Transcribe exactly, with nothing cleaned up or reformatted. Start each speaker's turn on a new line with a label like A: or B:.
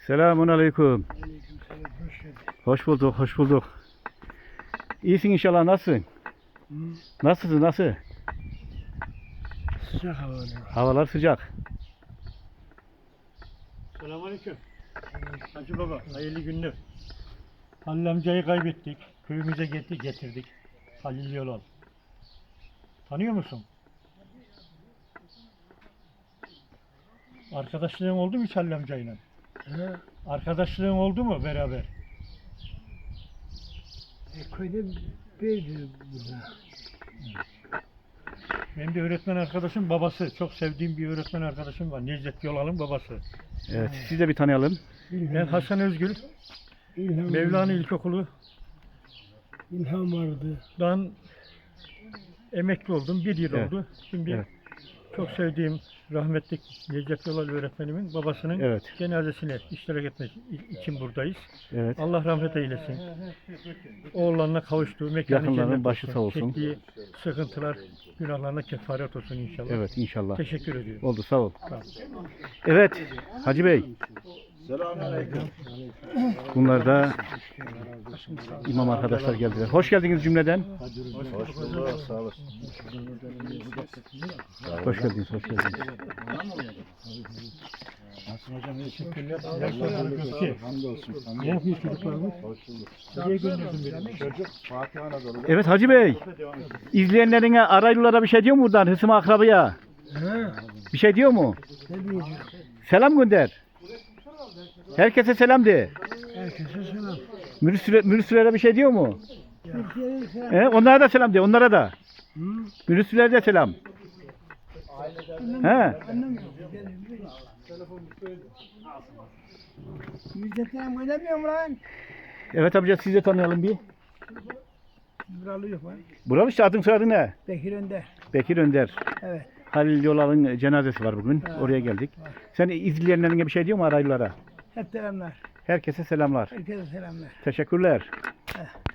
A: Selamun aleyküm.
B: Aleykümselam, hoş geldin.
A: Hoş bulduk, hoş bulduk. İyisin inşallah, nasılsın?
B: Hı?
A: Nasılsın, nasıl?
B: Sıcak havalar.
A: Havalar sıcak.
C: Selamünaleyküm. Hacı baba, hayırlı günler. Halil amcayı kaybettik. Köyümüze getir, getirdik. Halil Yolal. Tanıyor musun? Arkadaşlığın oldu mu hiç Halil amcayla?
B: He?
C: Arkadaşlığın oldu mu beraber?
B: E, köyde bir burada.
C: Benim bir öğretmen arkadaşım babası. Çok sevdiğim bir öğretmen arkadaşım var. Necdet Yolal'ın babası.
A: Evet, siz de bir tanıyalım.
C: Ben Hasan Özgül.
B: İlham,
C: Mevlana İlkokulu'dan
B: İlham vardı.
C: emekli oldum. Bir yıl
A: Evet.
C: oldu. Şimdi
A: Evet.
C: çok sevdiğim rahmetli Necdet Yolal öğretmenimin babasının
A: Evet.
C: cenazesine iştirak etmek için buradayız.
A: Evet.
C: Allah rahmet eylesin. Oğullarına kavuştuğu mekanı
A: Yakınların
C: cennet
A: başı sağ olsun.
C: Çektiği sıkıntılar günahlarına kefaret olsun inşallah.
A: Evet, inşallah.
C: Teşekkür ediyorum.
A: Oldu, sağ ol.
C: Sağ ol.
A: Evet, Hacı Bey. Bunlar da imam arkadaşlar geldiler. Hoş geldiniz cümleden.
D: Hoş bulduk, sağ olasın.
A: Hoş geldiniz, hoş geldiniz.
D: Nasılsın hocam? İyi
C: Teşekkürler. Yaşlar Gökçe.
D: Hamdolsun.
C: Ne yapıyor çocuklarımız?
D: Hoş bulduk.
C: Nereye gönderdin beni?
D: Çocuk Fatih Anadolu'da.
A: Evet Hacı Bey, izleyenlerine, araylılara bir şey diyor mu buradan? Hısım akrabaya.
B: He?
A: Bir şey diyor mu?
B: Ne diyeceğim?
A: Selam gönder. Herkese selam de.
B: Herkese selam.
A: Mürüsüle, mürüsülere bir şey diyor mu?
B: Türkiye'ye selam.
A: He, onlara da selam de, onlara da.
B: Hı?
A: Mürüsülere de selam. He.
B: Müjdetten oynamıyor mu lan?
A: Evet amca, siz de tanıyalım bir.
B: Buralı yok lan.
A: Buralı işte, adın soyadın ne?
B: Bekir Önder.
A: Bekir Önder.
B: Evet.
A: Halil Yolal'ın cenazesi var bugün.
B: Ha,
A: Oraya geldik. Sen izleyenlerine bir şey diyor mu araylılara?
B: Hep selamlar.
A: Herkese selamlar.
B: Herkese selamlar.
A: Teşekkürler.